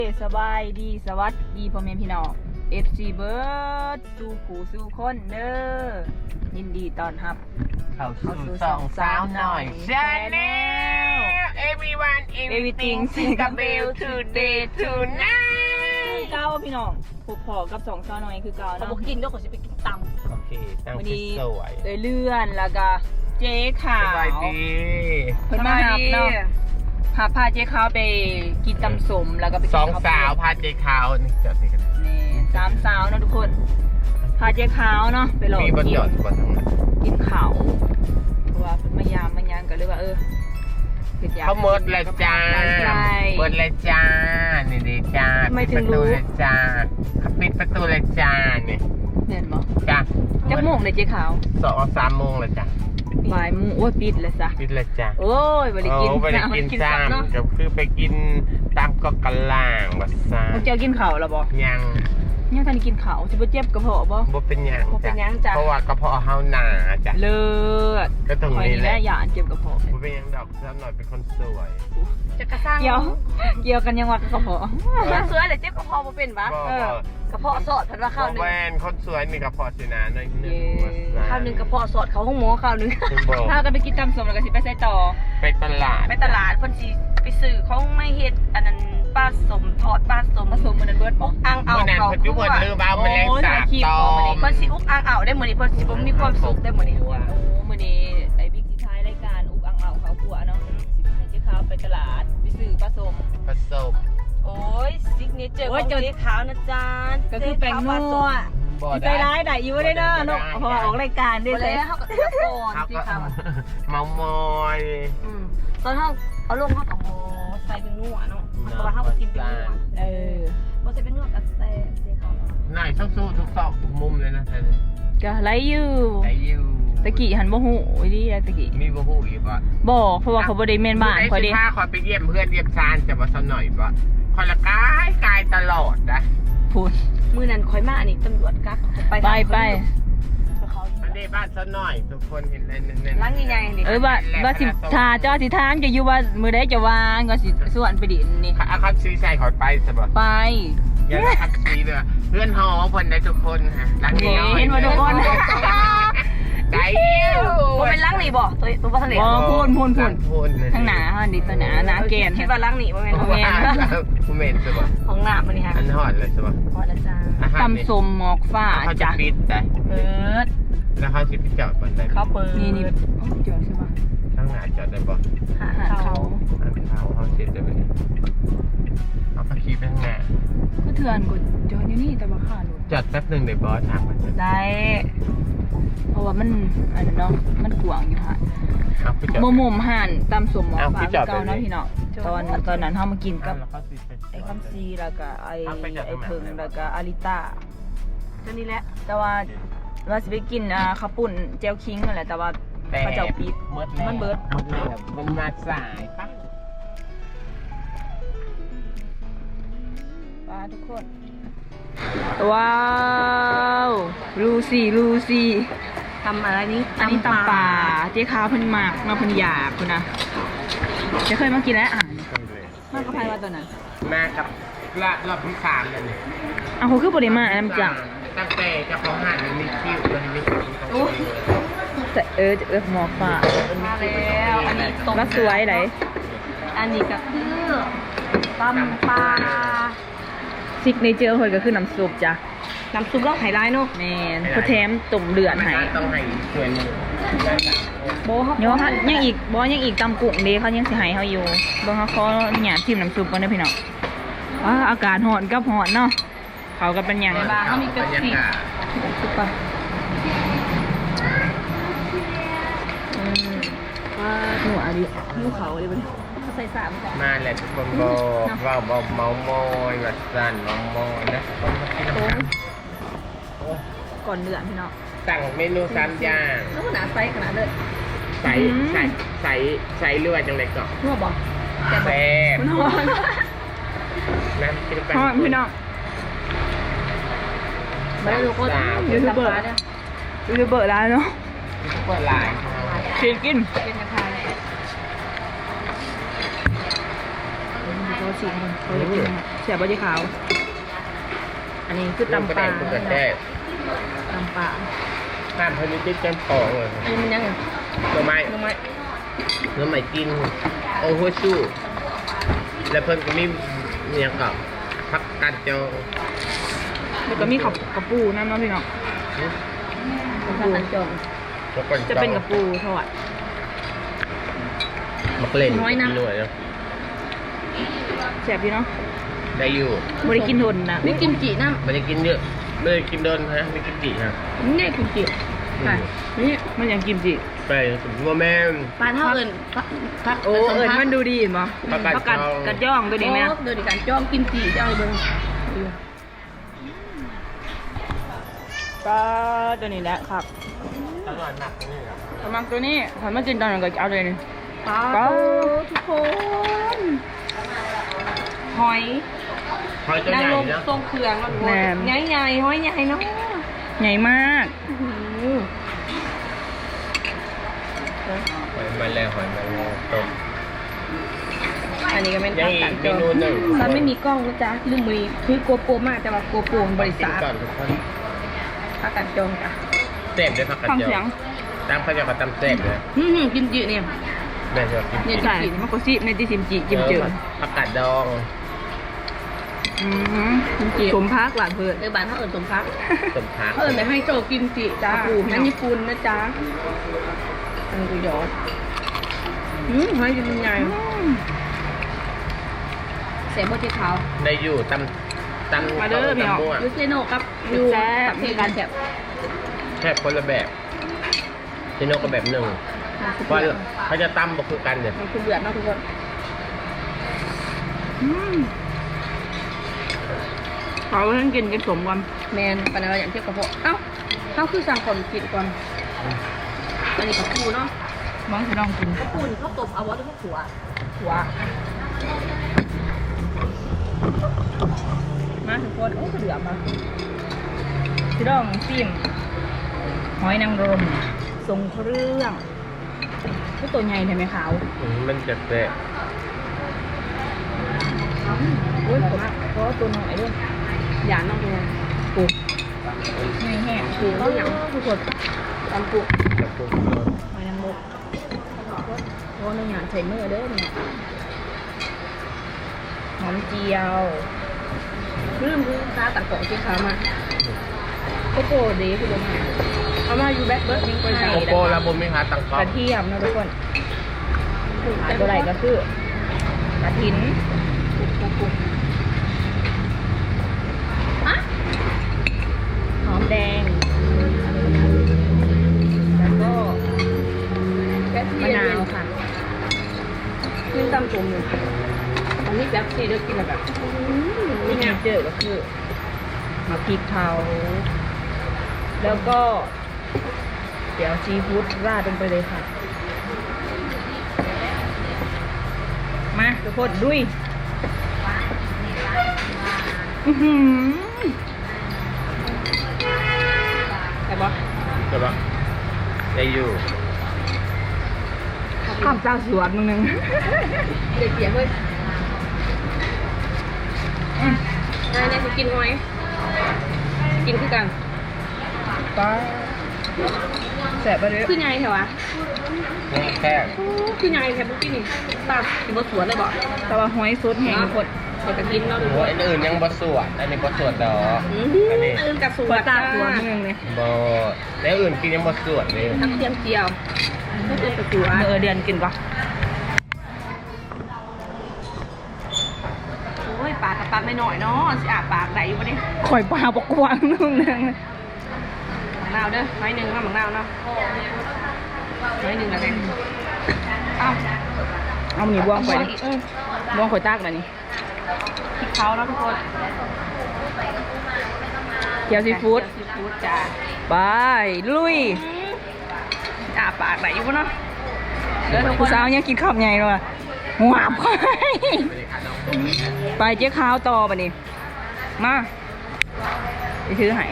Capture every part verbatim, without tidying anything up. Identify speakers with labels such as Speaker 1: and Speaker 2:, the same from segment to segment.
Speaker 1: สบายดีสวัสดีพ่อแม่พี่น้อง เอฟ ซี เบิร์ดสู่ผู้สู่คนเด้อยินดีต้อนรับ
Speaker 2: เข้าสู่สองสาวหน่อยชาแนล everyone everything Singapore today tonight
Speaker 1: เก้าพี่น้องพบพอกับสองสาวน้อยคือเก้า
Speaker 3: เขา
Speaker 1: เนาะ
Speaker 3: บอกกินด้วยเขาจะไปกินตำ
Speaker 2: โอเคตั้ง
Speaker 1: วัน
Speaker 2: ที่
Speaker 1: นี้
Speaker 2: สวย
Speaker 1: เลยเลื่อนแล้วก็เจ๊ขาว
Speaker 2: สบายดี
Speaker 1: เพิ่นมาหับเนาะพาพาเจ๊ขาวไปกินตำสมแล้วก็ไปกิน
Speaker 2: สอง
Speaker 1: ข้ว
Speaker 2: สาวพาเจ๊ขาวนี่จอดที่กัน
Speaker 1: นี่สามสาวเนาะทุกคนพาเจ๊ขาวเนาะไปหลอก
Speaker 2: มีบน
Speaker 1: กิน
Speaker 2: จอดบนทั้งนั้น
Speaker 1: กินเขาเพราะว่าเพิ่นมายามมายังก็เลยว่าเออกินย
Speaker 2: เขาเมิดเลยจ้า
Speaker 1: ใช่
Speaker 2: เมิดเลยจ้านี่ดีจ้าปิดประตูเลยจ้าเขาปิดประตูเลยจ้านี่
Speaker 1: เห็นบ่
Speaker 2: จ้า
Speaker 1: จักโมงเลยเจ๊ขาว
Speaker 2: สองสามโมงเลยจ้า
Speaker 1: บ่ายโมงโอ้ยปิดแล้วซะ
Speaker 2: ปิดเลยจ้า
Speaker 1: โอ้ยบ่ได้กิน
Speaker 2: โอ้ไปได้กิน
Speaker 1: กิน
Speaker 2: ซ้
Speaker 1: ซ้ำเนาะ
Speaker 2: ำก็คือไปกินตามก็กะล่างบัสซา
Speaker 1: พวกเจ้ากินข้าวแล้วบ่
Speaker 2: ยัง
Speaker 1: ยังทันได้กินข้าวสิบ่เจ็บกระเพาะบ่
Speaker 2: บ่เป็นหยัง
Speaker 1: บ่เป็นหยังจ้ะ
Speaker 2: เพราะว่ากระเพาะเฮาหนาจ้ะ
Speaker 1: เลิศ
Speaker 2: ก็ตรง
Speaker 1: คอย
Speaker 2: นี้
Speaker 1: นี่
Speaker 2: แห
Speaker 1: แห
Speaker 2: ละ
Speaker 1: ละอย่าอันเจ็บกระเพาะ
Speaker 2: บ่เป็นหยังดอกซ้ำหน่อยเป็นคนสวย
Speaker 3: จะกระซัง
Speaker 1: เกี่ยวเกี่ยวกันยังว่ากระเพาะ
Speaker 3: คนสวยเลยเจ็บกระเพาะมาเป็นปะ
Speaker 2: บ่
Speaker 1: เออ
Speaker 2: บ่
Speaker 3: กระเพาะสอดผัดว่าข้าวหนึ่ง
Speaker 2: แวนคนสวยนี่กระเพาะสินะหน่อยหนึง
Speaker 1: เย้
Speaker 2: ว่าซะ
Speaker 3: ข้าวหนึ่งกระเพาะสอดเขาห้องหมอข้าวหนึ่ง
Speaker 2: คุณบอก
Speaker 1: พากันไปกินตำสมแล้วก็สิไปใส่ต่อ
Speaker 2: ไปตลาด
Speaker 3: ไปตลาดคนสีไปซื้อเขาไม่เฮ็ดอันนั้นปลาสมทอดปลาสม
Speaker 1: ผสมมันนั้นเบิดบ่
Speaker 3: อังเอา
Speaker 2: เมื่อนั้น
Speaker 3: เขา
Speaker 2: เพิ่นทุกคนลืมเอาแมลงสาบตอม
Speaker 3: คนสีอุกอังเอาได้หมดนี่คนสีผมมีความสุขได้หมดนี่
Speaker 1: โอ้มื้อนี้ไอ้บิ๊กสิท้ายรายการอุกอังเอาเขาขัวเนาะสิให้เจ๊ขาวไปตลาดไปซื้อปลาสม
Speaker 2: ผสม
Speaker 3: โอ้ยซิกเนเจอร์ข
Speaker 1: โอ้
Speaker 3: อย ง
Speaker 1: จน
Speaker 3: เจ๊ขาวนะจ๊ะ
Speaker 1: ก็คือแป้งนัว
Speaker 2: บ่
Speaker 1: ใจร้ายได้อยู่ได้เด้อเนาะเพราะว่าออกรายการได้
Speaker 3: บ่
Speaker 1: เล
Speaker 3: เลย ยเขาก็เลือกก่อน
Speaker 2: เขา
Speaker 3: เจ๊
Speaker 2: ก็
Speaker 3: ขาวอะ
Speaker 2: เมามอย
Speaker 3: อืมตอนเขาเอาลงเขากับโมใส่เป็นนัวเนาะเพราะว่าเขาก็กินเป็นนัว
Speaker 1: เออ
Speaker 3: พอใส่เป็นนัวกับแซ่บเจ๊ขาว
Speaker 2: หน่อยสู้ๆทุกซอกทุกมุมเลยนะท่าน
Speaker 1: ก็ไลอยู่
Speaker 2: ไอ้ยู
Speaker 1: ตะกี้หันบ่ฮู้อีดีตะกี้
Speaker 2: มีบ่ฮู้อีกบ่
Speaker 1: บ่เพราะว่าเขาบ่ได้แม่นบ้านข่อยเด้
Speaker 2: พาคอยไปเยี่ยมเพื่อนเยี่ยมซานจะบ่ซะหน่อยบ่คอยละกายกายตลอดนะ
Speaker 1: พูด
Speaker 3: มือนั้นคอยมานี่ตำรวจกักไป
Speaker 1: ไปไป
Speaker 3: เขา
Speaker 2: อันนี้บ้านซะหน่อยทุกคนเห็นในๆ
Speaker 3: ล้างใหญ่ๆนี่
Speaker 1: เออว่าว่าสิทาเจ้าสิถามจะอยู่ว่ามื้อใดจะว่างก็สิส่วนไปดินนี่
Speaker 2: อาคับซีใส่ขอยไปซะบ่
Speaker 1: ไป
Speaker 2: อย่าละคับซีเด้อเพื่อนหอเพิ่นได้ทุกคนฮะหลังนี้น้อย
Speaker 1: เห็นว่าทุกคน
Speaker 2: ได้อยู่
Speaker 3: ว่าเป็นล้างนี่บ่ตัวตัวบ่ทันเด็
Speaker 1: บ่พูนพูนพูน
Speaker 2: พูน
Speaker 1: ทางหน้าเฮานี่ตัวหน้าหน้าแกน
Speaker 3: คิดว่าล้างนี่บ่แม่น
Speaker 1: บ่แม่น
Speaker 2: กูเมนซะบ่
Speaker 3: ของหน้ามันนี่ค่ะ
Speaker 2: อันฮอดเลยซะบ่
Speaker 3: พอแล้วจ้า
Speaker 2: อาหารนี่
Speaker 1: ตำสมหมอกฟ้า
Speaker 2: เขาจะ
Speaker 1: จ้ะ
Speaker 2: ปิดได้
Speaker 1: เปิด
Speaker 2: แล้วเขาสิไปจอดบนใด
Speaker 3: เขาเปิด
Speaker 1: นี่นี่จอดใช่ป่ะ
Speaker 2: ข้างหน้าจอดได้บ่
Speaker 3: หา
Speaker 1: หา
Speaker 3: เขา
Speaker 1: เขา
Speaker 2: อันเขาเขาเสร็จได้บ่เอาไปขี่ไปข้างหน้า
Speaker 1: คือเถื่อนกูจอดอยู่นี่แต่ว่าค่ารถ
Speaker 2: จอดแป๊บหนึงเดี๋ยวบอสถามมันจะ
Speaker 1: ได้ เพราะว่ามันอันนั้นเนาะมันกว้างอยู่ค่ะ
Speaker 2: เอาไปจอด
Speaker 1: โมโมมห่านตำสมหมอก
Speaker 2: เอา
Speaker 1: ฟ้า
Speaker 2: พี่จอด
Speaker 1: เก่า
Speaker 2: ไปเลย
Speaker 1: เนาะพี่เนาะตอนตอนนั้นเฮามากินกับ
Speaker 2: แล้วเขาสิไป
Speaker 1: ไอ้คำซีแล้วก็ไอ้
Speaker 2: เอาไปจากต
Speaker 1: ไอ้
Speaker 2: รงไหน
Speaker 1: เพิงแล้วก็อาริต้า
Speaker 3: ตัวนี้แหละ
Speaker 1: แต่ว่าว่าสิไปกินอ่าข้าวปุ้นเจลคิงนั่นแหละแต่ว่าเขาเจ้าปิด มันเบิด
Speaker 2: มันเบิดมันมาสายปะ
Speaker 1: ป้าทุกคน ว้าวลูซี่ลูซี่
Speaker 3: ทำอะไรนี้
Speaker 1: อันนี้ตำป่าเจ๊ค้าวเพิ่นมากมาเพิ่นอยากคุณนะจะเคยมากินแล้วอาหารมากกระพายว่าตัวนั้น
Speaker 2: มากับละรอบที่สามแล้วเนี่ย
Speaker 1: อ้าวเขาคือบ่ได้มาอันนั้นจัง
Speaker 2: ตั้งแต่เจ้าของห้างมันมีคิวมันมีคิว
Speaker 3: โอ้ย
Speaker 1: แต่เออเออหมอฟ้า
Speaker 3: มาแล้วอันนี้ต้ม
Speaker 1: รักสวยไหน
Speaker 3: อันนี้ก็คือตำปลา
Speaker 1: ซิกเนเจอร์เพิ่นก็คือน้ำซุปจ้ะ
Speaker 3: น้ำซุปเราไฮไลท์เนาะ
Speaker 1: แม่นเขาแถมตุ่มเดือดให้
Speaker 2: ต้องให้ส่วนหนึ่ง
Speaker 3: โบเขา
Speaker 1: เดี๋ยวเขายังอีกบ่ยังอีกตำกุ้งเด้เขายังสิให้เฮาอยู่เบิ่งเขาขอหยาดจิ้มน้ำซุปก่อนเด้อพี่น้องว้าอากาศร้อนกับร้อนเนาะเขาก็เป็นหยัง
Speaker 3: ปลาเขามีกะปิ
Speaker 1: ซุปปะอืมว่าหัวดิหิวเขาดิบ่
Speaker 3: เขาใส่สามจ้ะ
Speaker 2: มาแหละทุกคนบอกว่าเบาเมาโมยแบบสั่นเมาโมยนะคนมากินน้ำมัน
Speaker 1: ก่อนเดือนพี่น้อง
Speaker 2: สั่งเมนูสามอย่าง
Speaker 3: แล้วขนาดไซส์ขนาดเลย
Speaker 2: ใส่ใส่ใส่ใส่เลือดจังเลยก่อน
Speaker 3: นัวบ่
Speaker 2: แซ่บ
Speaker 1: มันร้อน
Speaker 2: นะกินไป
Speaker 1: ร้อนพี่น้อง
Speaker 3: ไม่ได้ทุกคน
Speaker 1: ยูทูบเบอร์ยูทูบเบอร์ร้านเนาะ
Speaker 2: เปิดลาย
Speaker 1: กินกิน
Speaker 3: เป็นกระทาย
Speaker 1: เขาชิมเขาอยากกินเสียบเจ๊ขาว อันนี้คือตำปลา
Speaker 2: ลูกกระแทก
Speaker 1: ตำปลา
Speaker 2: ข้ามพนิจิตแกงปองเลย
Speaker 3: อันนี้มันยังไง
Speaker 2: หน่อไม้
Speaker 3: น้องไม้
Speaker 2: หน่อไม้กินโอ้โหสู้แล้วเพิ่นก็มีเนี่ยกับพักการจอง
Speaker 1: แล้วก็มีขับกระปูน้ำเนาะพี่น้อง
Speaker 3: ข้าวตันจอง
Speaker 2: แล้วก็
Speaker 1: จะเป็นกระปูทอด
Speaker 2: มักเล่น
Speaker 3: น้อยนะ
Speaker 2: หน่วยนะ
Speaker 1: แซ่บอยู่เนาะ
Speaker 2: ได้อยู่
Speaker 1: ไม่ได้กินทนนะ
Speaker 3: นี่กิมจิน้
Speaker 2: ไม่ได้กินเยอะไม่ได้กินโดนฮะไม่กินจีฮะ
Speaker 3: ำนี่กิมจิค่ะนี่
Speaker 1: มันยังกิมจิ
Speaker 2: ไปว่าแม่
Speaker 3: ปลาเท่าเอิญพัก
Speaker 1: โอ้เอิญมันดูดีเห็นปะ
Speaker 2: ประกาศ
Speaker 1: ประกาศ
Speaker 2: จอง
Speaker 1: กัดย่องตัวนี้ไหม
Speaker 3: โอ้เดี๋ยวดิการจ้องกิมจิจ้องเบิ้ง
Speaker 1: ก็ตัวนี้แหละครับ
Speaker 2: ตลอดหนักนี่ครับ
Speaker 1: สมัครตัวนี้ถ้ามากินตอนนั้นก็เอาเลยนี่
Speaker 3: ปลาทุกคน หอย
Speaker 2: หอยตัว
Speaker 3: นา
Speaker 2: ให
Speaker 3: ง
Speaker 2: ญ่
Speaker 3: รม
Speaker 2: นะ
Speaker 3: ทรงเครื่องมันใหญ่ใหญ่ๆหอยใหญ่เนาะ
Speaker 1: ใหญ่มาก
Speaker 2: หอยมาแล้วหอยมาแล้วต้ม
Speaker 3: อันนี้ก็เป็น
Speaker 2: ยัง
Speaker 3: ข้าว
Speaker 2: อี
Speaker 3: ตั
Speaker 2: ก
Speaker 3: น
Speaker 2: เม
Speaker 3: จอง
Speaker 2: นูหนึ่ง
Speaker 3: ซันไม่มีกล้องนะจ๊ะลืมมือคือโกโปรมากแต่ว่าโกโปรมันบริษัท
Speaker 2: ก่อนทุกคน
Speaker 3: ข้าวตันจองจ้ะ
Speaker 2: เต็มด้วยผักกาด
Speaker 1: ฟัง
Speaker 2: จอ
Speaker 1: เสียง
Speaker 2: ตามเขาจะเขาตำแซ่บเลย
Speaker 3: อืมกิมจิเนี่ย
Speaker 2: แม่ชอบกิน
Speaker 3: เนี่ย
Speaker 1: ใช่มันก็ซิในที่ซิมจิจิมจืด
Speaker 2: ผักกาดดอง
Speaker 1: อืมสมพักหวานเพื่อน
Speaker 3: เออบ้านเขาเอิญสมพัก
Speaker 2: ต้มผัก
Speaker 3: เขาเอิญไปให้โจกิมจิจ้าอันญี่ปุ่นนะจ๊ะอันนี้กูยอดอืมหอยเป็นใหญ่เสียบเจ๊ขาว
Speaker 2: ได้อยู่ตำตำ
Speaker 1: มาเด้อพี่น้อง
Speaker 2: ตำมั่ว
Speaker 3: ยูเซโนกับยูกับเทการแซ่บ
Speaker 2: แค่คนละแบบเจโนก็แบบหนึ่งเพราะเขาจะตำบ่คือกันเนี่ย
Speaker 3: มันคือเดือดเนาะทุกคน
Speaker 1: เขาเพิ่งกินกันสมกัน
Speaker 3: แมนปันอะไรอย่างเทียบกับพวกเอ้าเขาคือสั่งก่อนกินก่อนอันนี้กับปูเนาะ
Speaker 1: มองจะลองกิน
Speaker 3: กับปูนี่เขาตบเอาไว้ด้วยพวกหัวหัว
Speaker 1: มาทุกคนโอ้กระเดือมาพี่ดองซิมหอยนางรมทรงเครื่องก็ตัวใหญ่ใช่ไหมขาว
Speaker 2: อืมมันจะแซ่บ
Speaker 1: โอ้ยผมเพราะตัวน้อยด้วย
Speaker 3: อย่าน้องดู
Speaker 1: ปูไม่แห้งปูเขาอย่างทุกคน
Speaker 3: ตามปู
Speaker 2: จะปรุงรส
Speaker 1: หอยนางรมเพราะในหยาดใส่มือเด้อเนี่ยหอมเจียว
Speaker 3: ลืมลืมตาตัดของที่ขามา
Speaker 1: โกโก้ดีคือตรงไหน
Speaker 3: เอามาอยู่แบ็คเบิร์ดทิ้งไปไหน
Speaker 2: โกโก้แล้วบุญไม่หาตังค์
Speaker 1: ก
Speaker 2: ก๊อ
Speaker 1: ระเทียมนะทุกคนขายตัวไหนก็คือกระถิน
Speaker 3: อะ
Speaker 1: หอมแดง แล้วก็
Speaker 3: แบ็ค
Speaker 1: มะนาวค่ะ
Speaker 3: ขึ้นตามตุ่มอยู่ตอนนี้แบ็คซีเลือกกินแบบ
Speaker 1: ที่งามเจอก็คือมะพริกเผาแล้วก็ เดี๋ยวซีฟู้ดราดลงไปเลยค่ะ มาทุกคนดุยอื้อหือ
Speaker 3: ใช่ปะ
Speaker 2: ใช่ปะได้อยู่
Speaker 1: ข้ามเจ้าสวนมึงนึง
Speaker 3: เด็กเสียเฮ้ย
Speaker 1: อืม
Speaker 3: นายนายจะกินไหมกินคือกัน
Speaker 1: ป้าแสบไปเลย
Speaker 3: คือไงแถวะ
Speaker 2: นี่แค่
Speaker 3: คือไงแถวบุกี้นี่ตากินบะสวนเลยบอก
Speaker 1: แต่ว่าหอยสดแห้งทุกคน
Speaker 3: เดี๋ยวจะกินเนาะทุกค
Speaker 2: หัว
Speaker 3: น
Speaker 2: อันอื่นยังบะสวดอันนี้บะสวดดอก
Speaker 3: อืม
Speaker 2: อันนี้
Speaker 3: อื่นกับส
Speaker 1: หั
Speaker 3: ว
Speaker 1: วน ตาสวนมึงนึงเลย
Speaker 2: บอแล้วอื่นกินยังบะสวดเลย
Speaker 3: ทั้งเทียมเจียวก็คือกับสวน
Speaker 1: เออเดือนกินปะ
Speaker 3: โอ้ยปากกับปากไม่หน่อยเนาะสิอาปากไหนอยู่ปะเนี่ย
Speaker 1: ข่อยปลาปกวางนึงนึง
Speaker 3: หมักนาวเด้อไม้หนึ่งมาหมักนาวเนาะไม้หนึ่งอะไรอ้าว
Speaker 1: เอาหมีบ้วงข่อย
Speaker 3: อีกเออ
Speaker 1: บ้วงข่อยตากแบบนี้
Speaker 3: พริกเขาเนาะทุกคน
Speaker 1: เกี๊ยวซีฟู้ด
Speaker 3: ซีฟู้ดจ้า
Speaker 1: ไปลุย
Speaker 3: อาปากไหนอยู่ปะเนาะเด้อทุกค
Speaker 1: ผู้
Speaker 3: น
Speaker 1: สาวเนี่ยกินข้าวใหญ่เลยว่ะหวาบไปไปเจ๊ข้าวต่อปะนี่มาไปถือใหาย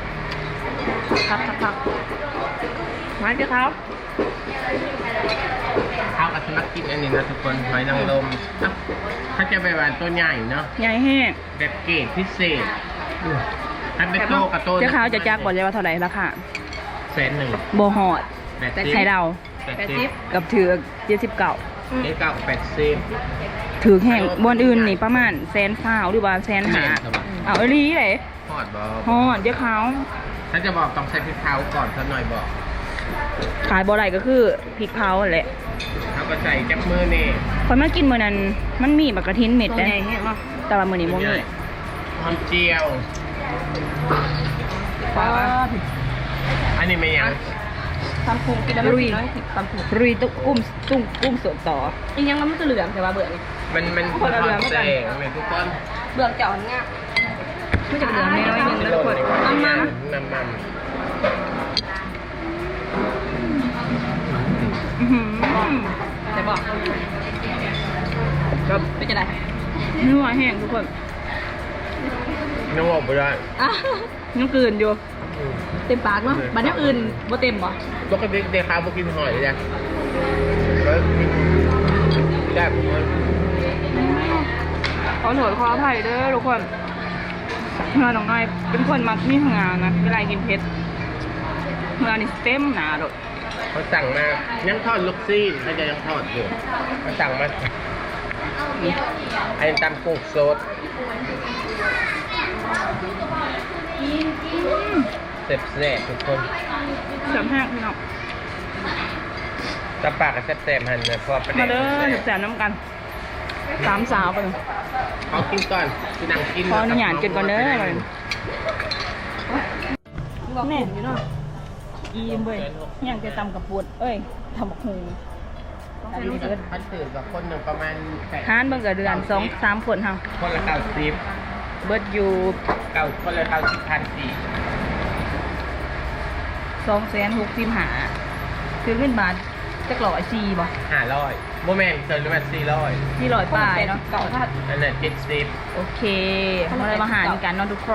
Speaker 3: พักพักพักไม้เจ้าเขา
Speaker 2: ข้าวกับสมักกินอันนี้นะทุกคนหอยนางรมเอ้าเขาจะไปหวานตัวใหญ่เนาะ
Speaker 1: ใหญ่แห้ง
Speaker 2: แบบเกรดพิเศษถ้าเป็นโตกับโต
Speaker 1: เจ้าขาวจะจักบอกเลยว่าเท่าไหร่ราคา
Speaker 2: แสนหนึ่ง
Speaker 1: โบฮอด
Speaker 2: แปด
Speaker 1: แต่
Speaker 2: สิบ
Speaker 1: ไข่ดาว
Speaker 2: แปดสิบ
Speaker 1: กับถือเจ็ดสิบเก้า
Speaker 2: เจ๊เก้ากับแปดสิบ
Speaker 1: ถือแห้งบนอื่นนี่ประมาณแสนฟ้าวหรือว่าแสนหา
Speaker 2: แม่นครับ
Speaker 1: เอาไอ้ลีเลย
Speaker 2: ทอดบอ
Speaker 1: ฮอดเจ้าขาว
Speaker 2: ถ้าจะบอกต้องใส่พริกเผาก่อนสักหน่อยบอก
Speaker 1: ขายบ่อไรก็คือพริกเผาแหละ
Speaker 2: เขาก็ใส่จับมือนี่
Speaker 1: คนมากินมื้อนั้นมันมีบักกระทินเม็ด
Speaker 3: ตัว
Speaker 1: นะ
Speaker 3: ใหญ่แห้งเนาะ
Speaker 1: แต่ว่ามื้อนี้บ่มี
Speaker 2: หอมเจียว
Speaker 1: ป้า
Speaker 2: อันนี้ไม่ยัง
Speaker 3: ทำพุงกินแล้วไม่กินน้อยสิบทำพุง
Speaker 1: รุยตุ๊กกุ้มตุ้งกุ้มสดต่อ
Speaker 3: อีกยังมันจะเหลืองแต่ว่าเบื่อนี่
Speaker 2: มันมัน
Speaker 3: คนละเรื
Speaker 2: ท
Speaker 3: อ
Speaker 2: อง ด
Speaker 3: เหมือน
Speaker 2: แส
Speaker 3: กัน
Speaker 2: งเลยทุกคน
Speaker 3: เบื่อเจาะง่าย
Speaker 1: ไม่จะเหลืองน้อยๆนึงนะทุกคน
Speaker 2: น้ำมันน้ำมัน
Speaker 1: อื้อหือ
Speaker 3: แต่บอก
Speaker 1: ก็
Speaker 3: ไม่จะได้
Speaker 1: นัวแห้งทุกคน
Speaker 2: น้ำออกไปได้
Speaker 3: อ่ะ
Speaker 1: ยังกลืนอยู่
Speaker 3: เต็มปากเนาะบัดนี้อื่นบ่เต็มบ่
Speaker 2: ปกติเด็กข้าวพวกกินหอยเลยจ้ะแล้วกินได้ผมว่า
Speaker 1: ขอโทษขออภัยเด้อทุกคนเมื่อน้องน้อยเป็นคนมักมีงานนะเวลากินเผ็ดเมื่อนี่เต็มหนาโดด
Speaker 2: เขาสั่งมายังทอดลูกซี่เขาจะยังทอดอยู่เขาสั่งมาไอ้ตำกุ้งสดเสร็จแซ่บทุกคน
Speaker 1: เสริมแห้งพี่น้อง
Speaker 2: ตำปากกับแซ่บๆหันนะเพราะว่าประ
Speaker 1: มา
Speaker 2: เด็น
Speaker 1: เด้อ
Speaker 2: แซ่บ
Speaker 1: แสบน้ำกันสามสาวกัน
Speaker 2: เขากินก่อนกินหนังกิน
Speaker 1: ขออนุญาตกินก่อนเด้อ
Speaker 3: บอกแม่อยู่เนาะ
Speaker 1: อีมเว้ยยังจะตำกับปวดเอ้ยทำบักหูอันนี้เบิด
Speaker 2: พันตื่นกับคนหนึ่งประมาณแปด
Speaker 1: หานเบิ่งกับเดือนสองสามคนเฮา
Speaker 2: คนละเก้าสิบ
Speaker 1: เบิดอยู่
Speaker 2: เก้าคนละเก้าสิบพันสี่
Speaker 1: สองแสนหกสิบห้าคือเงินบาทจักร้อยสี่บ่
Speaker 2: ห้าร้อยโมเมนต์เกินหรือว่าสี่ร้อย
Speaker 1: ที่ร้อยปลายเนาะ
Speaker 3: เก่าถ้า
Speaker 2: นั่นแหละเจ็ดสิบ
Speaker 1: โอเคมาเลยมาหารกันเนาะทุกคน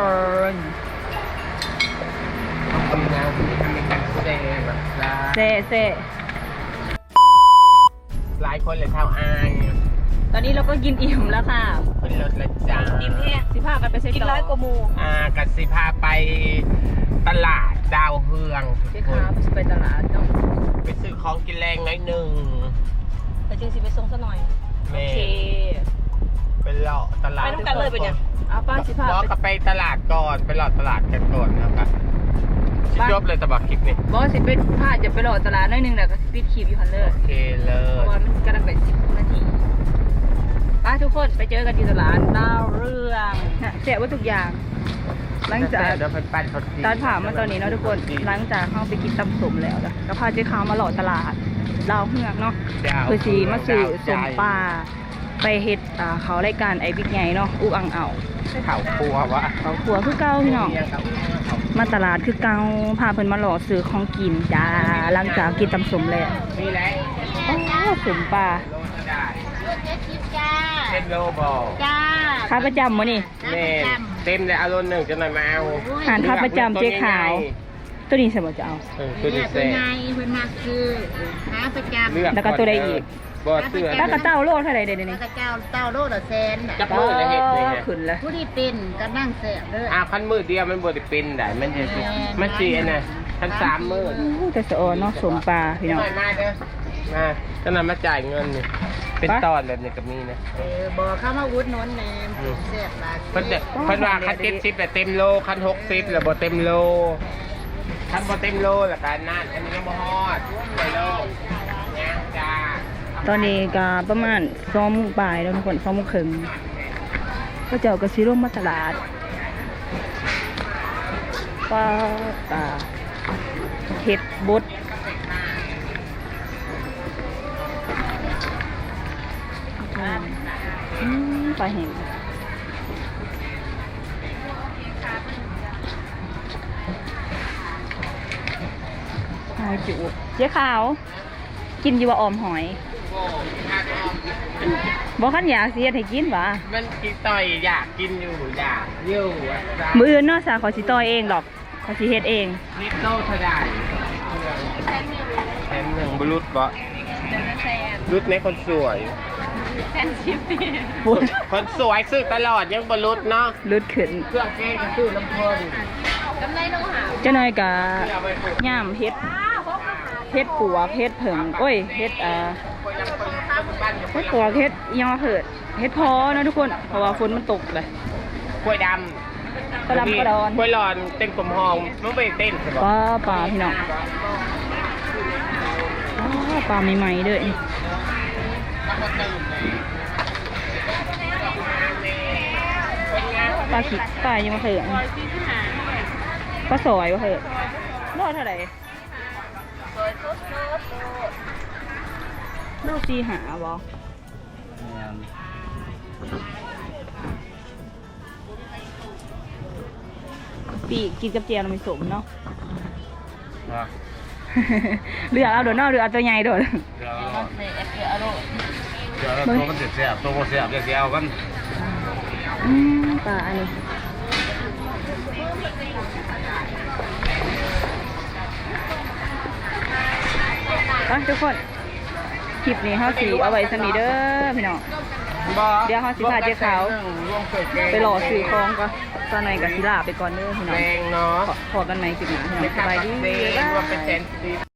Speaker 2: ทำงานทำเป็นการแสดงแบบ
Speaker 1: เซ่เซ่
Speaker 2: หลายคนเลยเท่าอาย
Speaker 1: ตอนนี้เราก็กินอิ่มแล้วค่ะ
Speaker 2: เป็นรถละจ้า
Speaker 3: กินแห้ง
Speaker 1: สิพากันไปเซ็ต
Speaker 3: กินร้อยกว่าหมู
Speaker 2: อ่ากัสิพาไปตลาดดาวเฮือง
Speaker 1: เจ๊ค้าไปตลาดเนาะ
Speaker 2: ไปซื้อของกินแรงน้อยหนึ่ง
Speaker 3: แต่จริงสิไปส่งซะหน่อย
Speaker 1: โอ
Speaker 2: แม่
Speaker 1: เค
Speaker 2: ไปเลาะตลาด
Speaker 3: ไปน้ำกันเลยเป็นยัง
Speaker 1: เอาป้าสิพา
Speaker 2: บอก
Speaker 1: ไป
Speaker 2: ก็ไปตลาดก่อนไปเลาะตลาดกันก่อนนะครับชิจบเลยตะบักคลิปนี่
Speaker 1: บอสสิเป็นพาจะไปรอตลาดหน้อยหนึงแล้วก็สิปิดคลิปอยู่หันเลย
Speaker 2: โอเคเล
Speaker 1: เพ
Speaker 2: ย
Speaker 1: ราะว่ามันกำลังไปสิบนาทีป้าทุกคนไปเจอกันที่ตลาดดาวเรืองน่ะแจกว่าทุกอย่าง หลังจาก
Speaker 2: เดี๋ยวเพิ่นปั้นเขาจี
Speaker 1: ตอนผ่ามาตอนนี้เนาะทุกคน หลังจากเข้าไปกินตำสมแล้วนะก็พาเจ๊ขาวมาหล่อตลาดดาวเฮือกเนาะ
Speaker 2: ดาว
Speaker 1: เพื่อสีมาสื่อสมป
Speaker 2: ลา
Speaker 1: ลาไปเฮ็ดอ่าเขารายการไอบิ๊กไงเนาะอุกอังเอา
Speaker 2: เข่าครัววะ
Speaker 1: เขาขัวคือเก่าพี่น้อง มาตลาดคือเก่าพาเพิ่นมาหล่อซื้อของกินจ้าหลังจากกินตำสมแล้ว
Speaker 2: นี่แหละ
Speaker 1: โอ้สมปลา
Speaker 2: โลจะได้
Speaker 3: เจ็ดสิบจ้า
Speaker 2: เป็นโลบอล
Speaker 3: จ้า
Speaker 1: ค้าประจำมื้อนี่
Speaker 2: แม่เต็มเลยเอาโลหนึ่งจะหน่อยมาเอา
Speaker 1: อาหารค้าประจำเจ๊ขาว ตัวนี้ใช่บ่จะเอา
Speaker 2: เออตัวนี้
Speaker 3: เป็
Speaker 2: เซ่
Speaker 3: นไงเพิ่นมาคือหาประจำ
Speaker 2: เลือก
Speaker 1: แล้วก็ตัวใดอีก
Speaker 2: บอเสื้อ
Speaker 1: แล้วก็เต้าโลเท่าไหร่เดี๋ยว
Speaker 3: แล้
Speaker 1: นี้
Speaker 3: วก็เจ้าเต้าโลดละแสนน่ะ
Speaker 2: จับมือเลยเห็ดเลย
Speaker 1: ขึ้นแล้ว
Speaker 3: ผู้ที่เป็นก็นั่งแสบเด้อ
Speaker 2: อ่าคันมือเดียวมันบไดเป็นได้มันจะสิมันสีอันน่ะคันสามมือ
Speaker 1: อู้แต่สะออนเนาะสมปลาพี่น้อง
Speaker 2: หน่อยมาเด้อมาจะนำมาจ่ายเงินนี่เป็น
Speaker 1: ไป
Speaker 2: ตอนแบบนี้กับมีนะ
Speaker 3: เออบอกเข้ามาวุ้นนนแหนมแสบหลาย
Speaker 2: เพิ่นจะเพิ่นว่าคันเจ็ดสิบแต่เต็มโลคันหกสิบแล้วบ่เต็มโลคันบ่เต็มโลแล้วกันนั่นอันนี้ยังบ่ฮอดไปโลย่างจ้า
Speaker 1: ตอนนี้ก็ประมาณสองโมงบ่ายแล้วทุกคนสองโมงครึ่งก็เจ้าก็สิร่วมมาตลาดปลาปลาเห็ดบดอืมปลาแห้งหอยจุเจ๊ขาว กินอยู่ว่าออมหอย
Speaker 2: โอ้ถ้าก็
Speaker 1: บ่คันอยากสิเฮ็ดให้กินหว่า
Speaker 2: มันกินต่อยอยากกินอยู่อยากอยู่อ่ะจ้า
Speaker 1: มื้ออื่นเนาะสาขอสิต่อยเองดอกขอสิเฮ็ดเอง
Speaker 2: นิดโลเท่าใดแถมหนึ่งบรุษบ่
Speaker 1: เดี๋ยวจะใส่
Speaker 2: รุดในคนสวย
Speaker 1: แซนชิปปี้
Speaker 3: ปุ่น
Speaker 2: คนสวยซื้อตลอดยังบรุษเนาะ
Speaker 3: ลุดขึ้น
Speaker 2: เครื่องแกงก็ซื้อน้ำเพลิน
Speaker 1: กำไรน้องหา
Speaker 3: เจ้าหน่อยกะ
Speaker 2: เอาไปปลูก
Speaker 3: ย่ามเฮ็ดเฮ็ดปัวกเฮ็ดเผิงโอ้ยเฮ็ดอ่า
Speaker 2: คนยังเปิดข้าวบ้านอยู่
Speaker 3: เฮ็ดปัวกเฮ็ดอิหยังว่าเผิดเฮ็ดพอเนาะทุกคนเพราะว่าฝนมันตกเลย
Speaker 2: กล้วยด
Speaker 3: กระลำกระดอน
Speaker 2: ำกล้วยหลอนเต้นกลมหองมันไม่เต้นใช่ปะ
Speaker 3: ปลาปลาพี่น้องอ้าวปลาใหม่ๆเด้อนี่ปลาขิดปลายังมาเถิดปลาสอยวะเถิดโลเท่าไหร่โลสี่หาบ่ปีกกินกับเจียวเราไม่สมเนาะ เรือเอาโดดเนอกเรือเอาตัวใหญ่โดด
Speaker 2: เดี๋ยวตัวมันเสียบตัวมันเสียบเสียบกัน
Speaker 3: อืมปลาอันนี้ไปทุกคนคลิปนี้เขาสีเอาไว้สมีเด้อพี่น้อง เดี๋ยวเขาสิพาเจ๊ขาว ไปหล่อสื่อคลองก็ตอนไหนกับศิลาไปก่อนเด้อพี่น้อง
Speaker 2: แรงเนาะ
Speaker 3: ขอขอกันไหมคลิปหน้าพี่น้องสบายดี
Speaker 2: ไม่
Speaker 3: บ๊าย
Speaker 2: รวม
Speaker 3: บา
Speaker 2: เป็น
Speaker 3: ย
Speaker 2: แสนสิบ